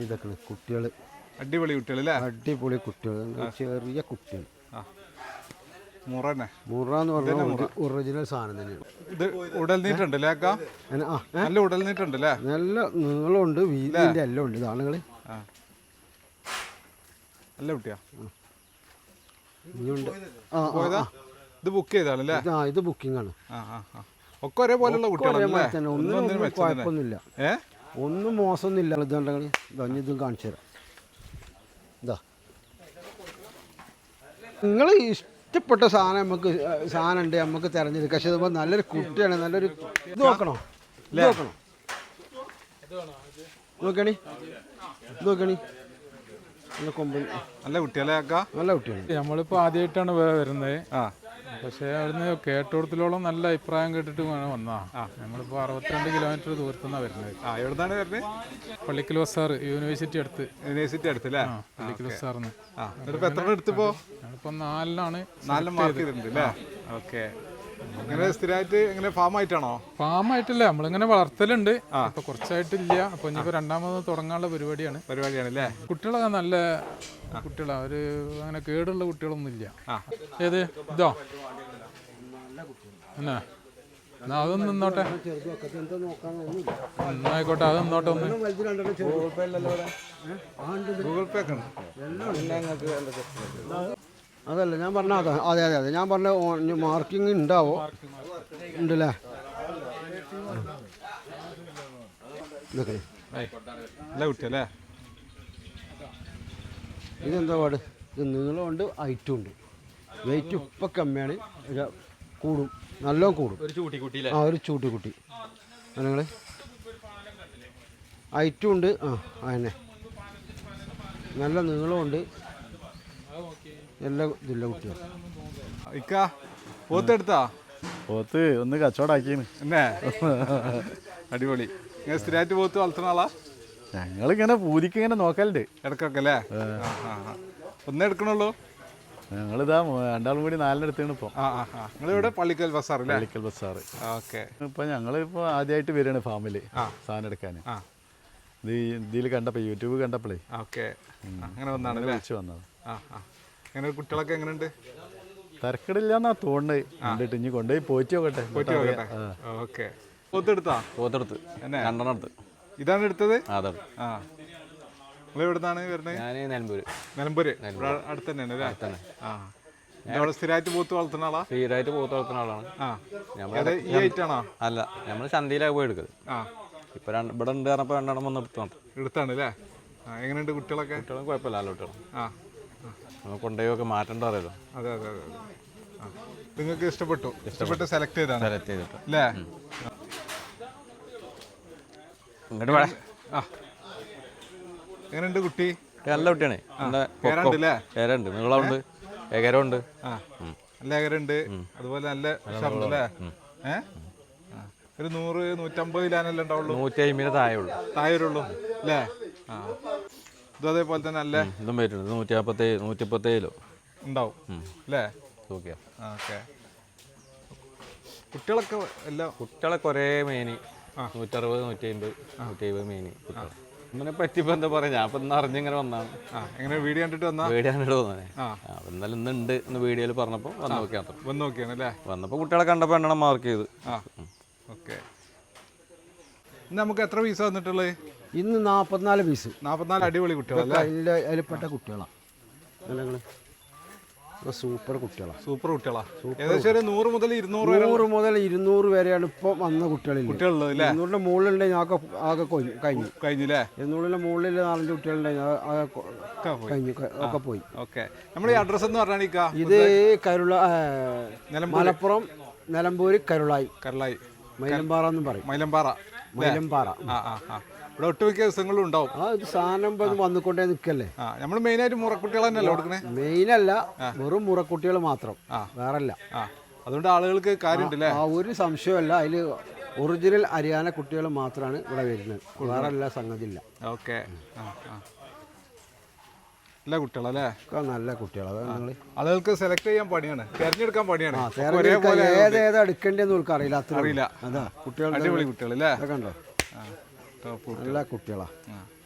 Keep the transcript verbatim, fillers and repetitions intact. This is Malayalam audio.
ഇതൊക്കെ കുട്ടികൾ അടിപൊളി കുട്ടികൾ അല്ലേ? അടിപൊളി കുട്ടികൾ, ചെറിയ കുട്ടികൾ. മുറ തന്നെ, മുറ എന്ന് പറഞ്ഞാൽ ഒറിജിനൽ സാധനം തന്നെയാണ്. ഇത് ഉടൽനീട്ടുണ്ടല്ലേ അക്ക? നല്ല ഉടൽനീട്ടുണ്ടല്ലേ? നല്ല നീളമുണ്ട്, വീതിന്റെ എല്ലാം ഉണ്ട്. ഇതാളുകൾ നല്ല കുട്ടിയാ. ഇത് ബുക്ക് ചെയ്താണല്ലേ? ഇത് ബുക്കിംഗ് ആണ്. ഒക്കെ ഒരേപോലെയുള്ള കുട്ടികളല്ലേ? ഒന്നും കുഴപ്പമൊന്നുമില്ല, ഒന്നും മോശമൊന്നുമില്ല. ഇതുണ്ടെങ്കിൽ ഇതും കാണിച്ചു തരാം. ഇതാ നിങ്ങൾ ഇഷ്ടപ്പെട്ട സാധനം നമുക്ക് സാധനം ഉണ്ട്, നമുക്ക് തിരഞ്ഞെടുക്കാം. പക്ഷെ ഇതുമ്പോൾ നല്ലൊരു കുട്ടിയാണ്, നല്ലൊരു ഇത് നോക്കണോ, ഇത് നോക്കണോ, നോക്കണി നോക്കണി നല്ല കൊമ്പൻ, നല്ല കുട്ടിയല്ലേ അക്ക? നല്ല കുട്ടിയാണ്. നമ്മളിപ്പോൾ ആദ്യമായിട്ടാണ് വരുന്നത്. പക്ഷേ അവിടുന്ന് കേട്ടോടത്തിലോളം നല്ല അഭിപ്രായം കേട്ടിട്ട് വന്നാ. നമ്മളിപ്പോൾ അറുപത്തിരണ്ട് കിലോമീറ്റർ ദൂരത്തുനിന്നാണ് വരുന്നത്. എവിടുന്നാണ് വരുന്നത്? പള്ളിക്കൽ ബസാർ, യൂണിവേഴ്സിറ്റി അടുത്ത്. യൂണിവേഴ്സിറ്റി അടുത്തല്ലേ? പള്ളിക്കൽ ബസാറിന് എത്ര എടുത്തിപ്പോ? ഞങ്ങളിപ്പോൾ നാലിനാണ് നാലിന് മാർക്ക് ചെയ്തിട്ടുണ്ട് അല്ലേ? ഓക്കെ. ഇങ്ങനെ സ്ഥിരമായിട്ട് ഇങ്ങനെ ഫാം ആയിട്ടാണോ? ഫാം ആയിട്ടില്ല, നമ്മളിങ്ങനെ വളർത്തലുണ്ട്. ഇപ്പൊ കുറച്ചായിട്ടില്ല. അപ്പൊ ഇനിയിപ്പോ രണ്ടാമത് തുടങ്ങാനുള്ള പരിപാടിയാണ് പരിപാടിയാണ് അല്ലേ? കുട്ടികളൊക്കെ നല്ല കുട്ടികളാ, ഒരു അങ്ങനെ കേടുള്ള കുട്ടികളൊന്നും ഇല്ല. ഏത് ഇതോ എന്നാ എന്നാ അതൊന്നും നിന്നോട്ടെ, എന്നായിക്കോട്ടെ, അത് നിന്നോട്ടെ. ഒന്ന് ഗൂഗിൾ പേ ഒക്കെ അതല്ല ഞാൻ പറഞ്ഞ അതെ അതെ അതെ അതെ ഞാൻ പറഞ്ഞ മാർക്കിങ് ഉണ്ടാവോ? ഉണ്ടല്ലേ? ഇതൊക്കെ നല്ല കുട്ടിയല്ലേ? ഇതെന്താ പാട്? ഇത് നീളമുണ്ട്, ഹൈറ്റും ഉണ്ട്. വെയിറ്റ് ഇപ്പം കമ്മിയാണ്, കൂടും, നല്ലോണം കൂടും. ആ ഒരു ചൂട്ടിക്കുട്ടി നിങ്ങൾ ഹൈറ്റും ഉണ്ട്. ആ അതന്നെ, നല്ല നീളമുണ്ട്, എല്ലാ ഇതില്ല കുട്ടികൾ. പോത്തെടുത്താ? പോത്ത് ഒന്ന് കച്ചവടാക്കിയാണ് എന്നേ അടിപൊളി. ഇങ്ങനെ സ്ഥിരമായിട്ട് പോത്ത് വളർത്തുന്ന ആളാ? ഞങ്ങളിങ്ങനെ പൂതിക്ക് ഇങ്ങനെ നോക്കലുണ്ട് ഇടക്കൊക്കെ അല്ലേ? ഒന്നേ എടുക്കണുള്ളൂ? ഞങ്ങളിതാ രണ്ടാളും കൂടി നാലിനെടുത്താണ് ഇപ്പോൾ. ആ ആ ആ നിങ്ങളിവിടെ പള്ളിക്കൽ ബസാർ അല്ലേ? പള്ളിക്കൽ ബസാർ. ഓക്കെ. ഇപ്പം ഞങ്ങളിപ്പോൾ ആദ്യമായിട്ട് വരികയാണ് ഫാമിൽ സാധനം എടുക്കാൻ. ഇത് ഇതിൽ കണ്ടപ്പോൾ, യൂട്യൂബ് കണ്ടപ്പോഴേ ഓക്കെ അങ്ങനെ വന്നാണ് വിളിച്ച് വന്നത്. ആ ആ എങ്ങനെ കുട്ടികളൊക്കെ എങ്ങനെയുണ്ട്? തരക്കടില്ലാന്നാ തോന്നുന്നത്. കണ്ടിട്ട് ഇനി കൊണ്ടുപോയി പോറ്റി നോക്കട്ടെ. പോറ്റി നോക്കട്ടെ. ഓക്കെ. പോത്തെടുത്താ? പോത്തെടുത്ത് രണ്ടെണ്ണം എടുത്ത്. ഇതാണ് എടുത്തത്? അതെ. ആ നിങ്ങൾ എവിടുന്നാണ് വരുന്നത്? ഞാൻ നിലമ്പൂര്. നിലമ്പൂര് അടുത്ത് തന്നെയാണ് അല്ലേ? തന്നെ. ആ അവിടെ സ്ഥിരമായിട്ട് പോത്ത് വളർത്തുന്ന ആളാ? സ്ഥിരമായിട്ട് പോത്ത് വളർത്തുന്ന ആളാണ്. ആ ഈ ഐറ്റാണോ? അല്ല, നമ്മൾ ചന്തയിലാണ് പോയി എടുക്കുന്നത്. ആ ഇപ്പൊ ഇവിടെ ഉണ്ട് പറഞ്ഞപ്പോൾ രണ്ടെണ്ണം വന്ന് എടുത്തു എടുത്താണ് അല്ലേ? ആ എങ്ങനെയുണ്ട് കുട്ടികളൊക്കെ? കുട്ടികളും കുഴപ്പമില്ല, നല്ല കുട്ടികളും. ആ നമ്മൾ കൊണ്ടുപോയൊക്കെ മാറ്റേണ്ട അറിയാലോ. അതെ അതെ അതെ. ആ നിങ്ങൾക്ക് ഇഷ്ടപ്പെട്ടു? ഇഷ്ടപ്പെട്ട് സെലക്ട് ചെയ്താണ്? സെലക്ട് ചെയ്തിട്ട് അല്ലേ? ഇങ്ങോട്ട് വേണേ. ആ എങ്ങനെയുണ്ട് കുട്ടി? നല്ല കുട്ടിയാണ്. ഏരുണ്ട്, നീളമുണ്ട്, ഏകരമുണ്ട്. ആ നല്ല ഏകരുണ്ട്, അതുപോലെ നല്ല ഉഷാറുണ്ട് അല്ലേ? ഏഹ് ഒരു നൂറ് നൂറ്റമ്പത് കിലോനല്ലേ ഉണ്ടാവുള്ളൂ? നൂറ്റി അമ്പതിന് താഴെ ഉള്ളൂ. താഴെ ഉള്ളൂ അല്ലേ? ആ ഇതും അതേപോലെ തന്നെ അല്ലേ? ഇതും വരുന്നുണ്ട്, നൂറ്റി നാൽപ്പത്തേഴ് നൂറ്റി മുപ്പത്തേഴ് കിലോ ഉണ്ടാവും അല്ലേ? ഓക്കെ. ഓക്കെ. കുട്ടികളൊക്കെ എല്ലാം കുട്ടികളൊക്കെ ഒരേ മേനി, നൂറ്ററുപത് നൂറ്റി അമ്പത് നൂറ്റി എഴുപത് മേനി കുട്ടികൾ. ഇതിനെ പറ്റിപ്പോൾ എന്താ പറയുക, ഞാൻ ഇപ്പം ഇന്ന് അറിഞ്ഞിങ്ങനെ വന്നാണ്. ആ എങ്ങനെ വീഡിയോ കണ്ടിട്ട് വന്നാ? വീഡിയോ കണ്ടിട്ട് വന്നേ. ആ എന്നാലും ഇന്നുണ്ട് എന്ന് വീഡിയോയിൽ പറഞ്ഞപ്പോൾ വന്ന് നോക്കിയാൽ വന്ന് നോക്കിയാണ് അല്ലേ? വന്നപ്പോൾ കുട്ടികളെ കണ്ടപ്പോൾ എണ്ണം മാർക്ക് ചെയ്ത്. ആ ഓക്കെ. ഇന്ന് നമുക്ക് എത്ര പീസ് വന്നിട്ടുള്ളത്? ഇന്ന് നാൽപ്പത്തിനാല് പീസ്. നാൽപ്പത്തിനാല് അടിപൊളി കുട്ടികളല്ലേ? അതിൻ്റെ അതിൽപ്പെട്ട കുട്ടികളാണ്. സൂപ്പർ കുട്ടികളാണ്. സൂപ്പർ കുട്ടികളാ. ഏകദേശം ഒരു നൂറ് മുതൽ ഇരുന്നൂറ് നൂറ് മുതൽ ഇരുന്നൂറ് വരെയാണ് ഇപ്പോൾ വന്ന കുട്ടികളിൽ. കുട്ടികളുള്ളത് അല്ലേ? ഇരുന്നൂറിൻ്റെ മുകളിലുണ്ടെങ്കിൽ ആകെ ആകെ കഴിഞ്ഞു കഴിഞ്ഞില്ലേ? ഇരുന്നൂറിൻ്റെ മുകളിൽ നാലഞ്ച് കുട്ടികളുണ്ടെങ്കിൽ ആകെ കഴിഞ്ഞു ഒക്കെ പോയി. ഓക്കെ. നമ്മുടെ ഈ അഡ്രസ്സ് എന്ന് പറഞ്ഞാൽ ഇത് കരുള മലപ്പുറം നിലമ്പൂര് കരുളായി കരുളായി മൈലമ്പാറ എന്നും പറയും. മൈലമ്പാറ മൈലമ്പാറ. ആ ആ ആ ഇവിടെ ഒട്ടുമിക്ക ദിവസങ്ങളും ഉണ്ടാവും. ആ ഇത് സാധനം വന്നുകൊണ്ടേ നിൽക്കല്ലേ. ആ നമ്മൾ മെയിനായിട്ട് മുറക്കുട്ടികൾ തന്നെയല്ലേ കൊടുക്കണേ? മെയിനല്ല, വെറും മുറക്കുട്ടികൾ മാത്രം, വേറല്ല. ആ അതുകൊണ്ട് ആളുകൾക്ക് കാര്യമുണ്ടല്ലേ? ആ ഒരു സംശയമല്ല, അതിൽ ഒറിജിനൽ ഹരിയാന കുട്ടികൾ മാത്രമാണ് ഇവിടെ വരുന്നത്, വേറെ എല്ലാ സംഗതി ഇല്ല. ഓക്കെ. ആ ആ നല്ല കുട്ടികളല്ലേ? നല്ല കുട്ടികളാണ്. നിങ്ങൾ ആളുകൾക്ക് സെലക്ട് ചെയ്യാൻ പണിയാണ്, തിരഞ്ഞെടുക്കാൻ പണിയാണ്. ഏതേതാ എടുക്കേണ്ടതെന്ന് അവർക്ക് അറിയില്ല. അത്ര അറിയില്ല. അതാ കുട്ടികൾ അടിപൊളി കുട്ടികൾ അല്ലേ? കണ്ടോ, നല്ല കുട്ടികളാ.